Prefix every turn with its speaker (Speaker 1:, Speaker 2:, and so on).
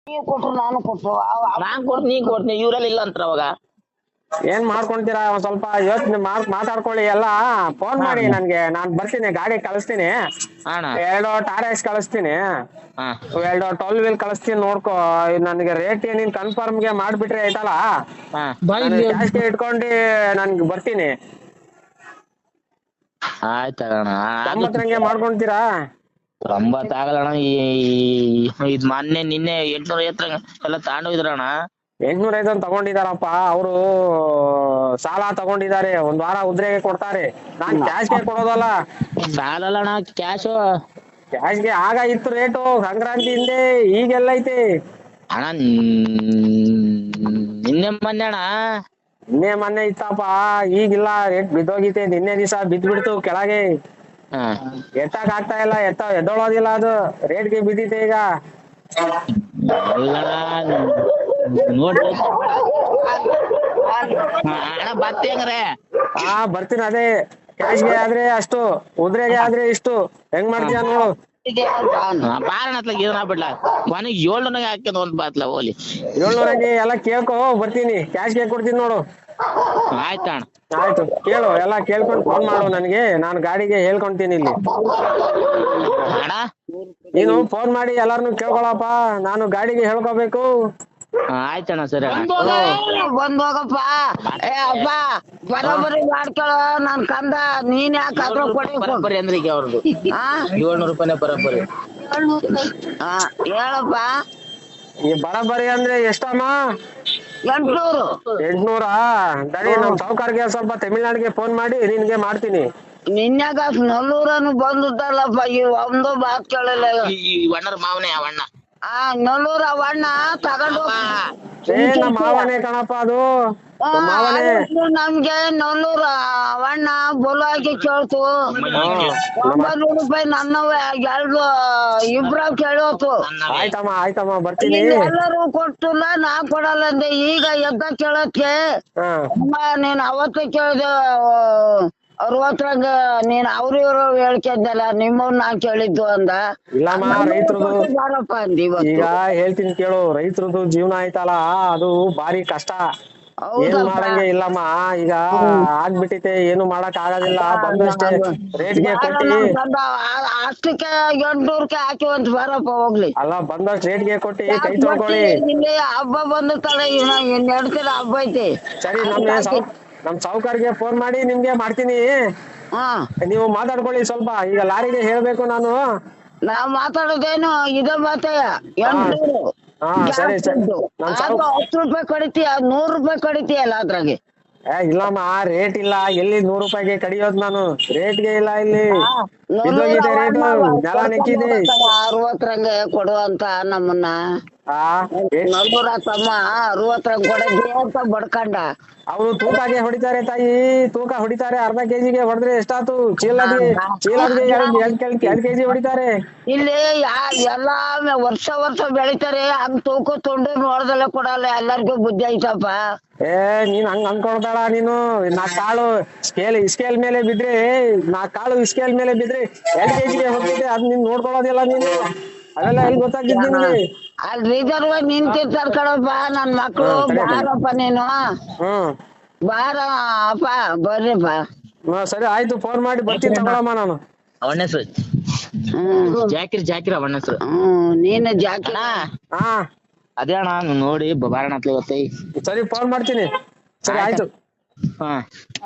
Speaker 1: ನೀವ್ ಕೊಟ್ರು ನಾನು ಕೊಟ್ರು
Speaker 2: ನಾನ್ ಕೊಡ್ ನೀ ಕೊಡ್ತೀನಿ ಇವ್ರಲ್ಲಿ ಇಲ್ಲ ಅಂತಾರ ಅವಾಗ.
Speaker 3: ಏನ್ ಮಾಡ್ಕೊಂತೀರಾ ಒಂದ್ ಸ್ವಲ್ಪ ಯೋಚನೆ ಮಾತಾಡ್ಕೊಳ್ಳಿ ಎಲ್ಲ. ಫೋನ್ ಮಾಡಿ ನನ್ಗೆ, ನಾನ್ ಬರ್ತೀನಿ, ಗಾಡಿ ಕಳಿಸ್ತೀನಿ.
Speaker 2: ಅಣ್ಣ
Speaker 3: 2 ಟಾರೆಕ್ಸ್ ಕಳಿಸ್ತೀನಿ,
Speaker 2: ಹಾ
Speaker 3: 2 12 ವೀಲ್ ಕಳಿಸ್ತೀನಿ. ನೋಡ್ಕೊ, ನನ್ಗೆ ರೇಟ್ ನೀನ್ ಕನ್ಫರ್ಮ್ ಗೆ ಮಾಡ್ಬಿಟ್ರೆ ಆಯ್ತಲ್ಲ.
Speaker 2: ಹಾ
Speaker 3: ಕ್ಯಾಶ್ ಗೆ ಇಟ್ಕೊಂಡು ನನ್ಗೆ ಬರ್ತೀನಿ.
Speaker 2: ಆಯ್ತಣ್ಣ.
Speaker 3: 90 ಮಾಡ್ಕೊಂತೀರಾ?
Speaker 2: 90 ಆಗಲ್ಲಣ್ಣ. ಇದ್ ಮೊನ್ನೆ ನಿನ್ನೆ 850 ಎಲ್ಲ ತಗೊಂಡೋಗಿದ್ರಣ್ಣ.
Speaker 3: 850 ತಗೊಂಡಿದಾರಪ್ಪ ಅವರು. ಸಾಲ ತಗೊಂಡಿದ್ದಾರೆ, 1 ವಾರ ಉದ್ರೆಗೆ ಕೊಡ್ತಾರೆ. ನಾನ್ ಕ್ಯಾಶ್ಗೆ ಕೊಡೋದಲ್ಲ.
Speaker 2: ಸಾಲಲ್ಲಣ್ಣ, ಕ್ಯಾಶು.
Speaker 3: ಕ್ಯಾಶ್ಗೆ ಆಗ ಇತ್ತು ರೇಟು ಸಂಕ್ರಾಂತಿ ಹಿಂದೆ, ಈಗೆಲ್ಲ ಐತಿ
Speaker 2: ಅಣ್ಣ. ನಿನ್ನೆ ಮೊನ್ನೆ ಅಣ್ಣ.
Speaker 3: ನಿನ್ನೆ ಮೊನ್ನೆ ಇತ್ತಪ್ಪ, ಈಗಿಲ್ಲ. ರೇಟ್ ಬಿದ್ದೋಗಿತೆ. ನಿನ್ನೆ ದಿವಸ ಬಿದ್ಬಿಡ್ತು ಕೆಳಗೆ. ಎತ್ತಕ್ ಆಗ್ತಾ ಇಲ್ಲ, ಎದ್ದೊಳೋದಿಲ್ಲ ಅದು. ರೇಟ್ಗೆ ಬಿದ್ದಿದೆ ಈಗ.
Speaker 2: ನೋಡ್ರಿ ಅಣ್ಣ, ಬರ್ತಿ ಹೆಂಗ್ರೆ?
Speaker 3: ಬರ್ತೀನಿ. ಅದೇ ಕ್ಯಾಶ್ಗೆ ಆದ್ರೆ ಅಷ್ಟು, ಉದ್ರೆಗೆ ಆದ್ರೆ ಇಷ್ಟು. ಹೆಂಗ್ ಮಾಡ್ತೀಯ ನೋಡು.
Speaker 2: ಬಾರಣ ಇದನ್ನ ಬಿಡ್ಲ ಕೊನೆಗೆ 700 ಹಾಕ್ಯದ ಒಂದ್ ಬಾತ್ಲ ಹೋಲಿ.
Speaker 3: 700 ಎಲ್ಲ ಕೇಳ್ಕೊ, ಬರ್ತೀನಿ. ಕ್ಯಾಶ್ಗೆ ಕೊಡ್ತೀನಿ ನೋಡು.
Speaker 2: ಆಯ್ತಣ್ಣ.
Speaker 3: ಆಯ್ತು, ಕೇಳು. ಎಲ್ಲ ಕೇಳ್ಕೊಂಡು ಫೋನ್ ಮಾಡು ನನಗೆ, ನಾನು ಗಾಡಿಗೆ ಹೇಳ್ಕೊಂತೀನಿ ಇಲ್ಲಿ.
Speaker 2: ಅಣ್ಣ
Speaker 3: ನೀನು ಫೋನ್ ಮಾಡಿ ಎಲ್ಲಾರ್ನು ಕೇಳ್ಕೊಳಪ್ಪ, ನಾನು ಗಾಡಿಗೆ ಹೇಳ್ಕೋಬೇಕು.
Speaker 2: ಆಯ್ತಣ್ಣ, ಸರಿ ಅಣ್ಣ.
Speaker 1: ಬಂದ್ ಹೋಗಪ್ಪ. ಏ ಅಪ್ಪ, ಬರೋಬ್ಬರಿ ಮಾಡ್ಕೊಳ ನನ್ ಕಂದ. ನೀನ್ ಯಾಕೆ ಅದ್ರ ಕೊಡಿ
Speaker 2: ಬರೋಬ್ಬರಿ ಅಂದ್ರೆ ಈಗ ಅವ್ರದ್ದು 700 ರೂಪಾಯಿನೇ ಬರೋಬ್ಬರಿ.
Speaker 1: ಹೇಳಪ್ಪ.
Speaker 3: ಈ ಬರಬರಿ ಅಂದ್ರೆ ಎಷ್ಟಮ್ಮ?
Speaker 1: 800.
Speaker 3: 800? ದಡಿ, ನಮ್ ಸಾವುಕಾರ್ಗೆ ಸ್ವಲ್ಪ ತಮಿಳ್ನಾಡಿಗೆ ಫೋನ್ ಮಾಡಿ ನಿನ್ಗೆ ಮಾಡ್ತೀನಿ.
Speaker 1: ನಿನ್ಯಾಗ ನಲ್ಲೂರನು ಬಂದಿದ್ದಲ್ಲಪ್ಪ, ಈ ಒಂದು ಮಾತ್ ಕೇಳಲ್ಲ.
Speaker 2: ಈ ಅಣ್ಣರ ಮಾವನೇ ಅವಣ್ಣ.
Speaker 1: ನಲ್ಲೂರ ಅವಣ್ಣ ತಗೊಂಡು
Speaker 3: ನಮ್ಮ ಮಾವನೇ ಕಣಪ್ಪ ಅದು. ಮಾವನೇ.
Speaker 1: ನಮ್ಗೆ ನಲ್ಲೂರ ಅವಣ್ಣ ಬೊಲು ಹಾಕಿ ಕೇಳ್ತು. 900 ರೂಪಾಯಿ ನನ್ನವೇ, 2 ಇಬ್ರ ಕೇಳೋತು.
Speaker 3: ಆಯ್ತಮ್ಮ ಬರ್ತೀನಿ.
Speaker 1: ಎಲ್ಲರೂ ಕೊಟ್ಟಿಲ್ಲ, ನಾ ಕೊಡಲ್ಲ ಅಂದೆ. ಈಗ ಎದ್ದ ಕೇಳಕ್ಕೆ ನೀನ್ ಅವತ್ತು ಕೇಳಿದೆ 60ರಂಗ. ನೀನ್ ಇವ್ರು ಹೇಳ್ಕಿದ್ದಲ್ಲ, ನಿಮ್ಮವ್ ನಾ ಕೇಳಿದ್ದು ಅಂದ.
Speaker 3: ಇಲ್ಲಮ್ಮ, ರೈತರದು
Speaker 1: ಬಾರಪ್ಪ ಅಂದಿ.
Speaker 3: ಈಗ ಹೇಳ್ತೀನಿ ಕೇಳು. ರೈತರದು ಜೀವನ ಆಯ್ತಲ್ಲ, ಅದು ಬಾರಿ ಕಷ್ಟ. ಏನ್ ಮಾಡಂಗೆ ಇಲ್ಲಮ್ಮ. ಈಗ ಆಗ್ಬಿಟ್ಟಿತೆ, ಏನು ಮಾಡಕ್ ಆಗೋದಿಲ್ಲ. ಬಂದಷ್ಟೇ ರೇಟ್ಗೆ ಕೊಟ್ಟಿ.
Speaker 1: ಅಷ್ಟಕ್ಕೆ 800 ಹಾಕಿವಂತ ಬಾರಪ್ಪ ಹೋಗ್ಲಿ.
Speaker 3: ಅಲ್ಲ, ಬಂದಷ್ಟು ರೇಟ್ಗೆ ಕೊಟ್ಟಿ ಕೈ ತೊಳ್ಕೊಳ್ಳಿ.
Speaker 1: ಇಲ್ಲಿ ಹಬ್ಬ ಬಂದಿತ್ತಲ್ಲ, ಇನ್ 2 ದಿನ ಹಬ್ಬ ಐತಿ.
Speaker 3: ಸರಿ, ನಮ್ ಸಾವುಕಾರ್ಗೆ ಫೋನ್ ಮಾಡಿ ನಿಮ್ಗೆ ಮಾಡ್ತೀನಿ. ನೀವು ಮಾತಾಡ್ಕೊಳ್ಳಿ ಸ್ವಲ್ಪ. ಈಗ ಲಾರಿಗೆ ಹೇಳ್ಬೇಕು ನಾನು.
Speaker 1: ನಾವ್ ಮಾತಾಡೋದೇನು ಇದೇ ಮಾತೆಯ. 800.
Speaker 3: ಸರಿ.
Speaker 1: 10 ರೂಪಾಯಿ ಕಡಿತೀಯ, 100 ರೂಪಾಯಿ ಕಡಿತೀಯಲ್ಲ ಅದ್ರಾಗೆ.
Speaker 3: ಇಲ್ಲಮ್ಮ, ರೇಟ್ ಇಲ್ಲ. ಎಲ್ಲಿ 100 ರೂಪಾಯಿಗೆ ಕಡಿಯೋದ್ ನಾನು? ರೇಟ್ಗೆ ಇಲ್ಲ ಇಲ್ಲಿ. ಬಿದ್ದೋಗಿದೆ ರೇಟ್, ನೆಲ ನೆಕ್ಕಿದೆ.
Speaker 1: 60ರಂಗೆ ಕೊಡುವಂತ ನಮ್ಮನ್ನ. 400 ತಮ್ಮ 60ರಂಗ್ ಕೊಡೋದೇ ಅಂತ ಬಡ್ಕಂಡ.
Speaker 3: ಅವ್ರು ತೂಕಾಗೆ ಹೊಡಿತಾರೆ ತಾಯಿ, ತೂಕ ಹೊಡಿತಾರೆ. ಅರ್ಧ ಕೆಜಿಗೆ ಹೊಡೆದ್ರೆ ಎಷ್ಟಾತು? ಚೀಲಗೆ 2 ಕೆಜಿ ಹೊಡಿತಾರೆ. ಇಲ್ಲಿ
Speaker 1: ಎಲ್ಲಾ ವರ್ಷ ಬೆಳಿತಾರೆ. ಹಂಗ್ ತೂಕ ತುಂಡು ನೋಡ್ದಲ್ಲ ಕೊಡಲ್ಲ. ಎಲ್ಲರಿಗೂ ಬುದ್ಧಿ ಐತಪ್ಪ.
Speaker 3: ನೀನ್ ಹಂಗ್ ಅನ್ಕೊಳ್ತಾಳ ನೀನು. 4 ಕಾಳು ಸ್ಕೇಲ್ ಮೇಲೆ ಬಿದ್ರೆ, 4 ಕಾಳು ಸ್ಕೇಲ್ ಮೇಲೆ ಬಿದ್ರೆ 2 ಕೆಜಿಗೆ ಹೋಗ್ತಿದೆ. ಅದ್ ನೀನ್ ನೋಡ್ಕೊಳ್ಳೋದಿಲ್ಲ ನೀನು. ಅದೆಲ್ಲ ಎಲ್ಲಿ ಗೊತ್ತಾಗ್ತಿದ್ ನಿನ್ಗೆ?
Speaker 1: ಅಲ್ಲಿ ರಿಸರ್ವ್ ನಿಂತಿರ್ತಾರ ಕಣಪ್ಪ ನನ್ ಮಕ್ಳು. ಬಾರಪ್ಪ ನೀನು. ಬಾರ ಅಪ್ಪ, ಬರ್ರಿಪ್ಪ.
Speaker 3: ಸರಿ ಆಯ್ತು, ಫೋನ್ ಮಾಡಿ ಬರ್ತೀನಿ ತಗೊಳಮ್ಮ ನಾನು.
Speaker 2: ಅವನ ಹೆಸರು ಜಾಕಿರ್ ಅವನ ಹೆಸರು.
Speaker 1: ನೀನು ಜಾಕಿರ?
Speaker 2: ಅದೇ ಅಣ್ಣ, ನೋಡಿ ಬಾರಣ.
Speaker 3: ಸರಿ, ಫೋನ್ ಮಾಡ್ತೀನಿ. ಸರಿ ಆಯ್ತು.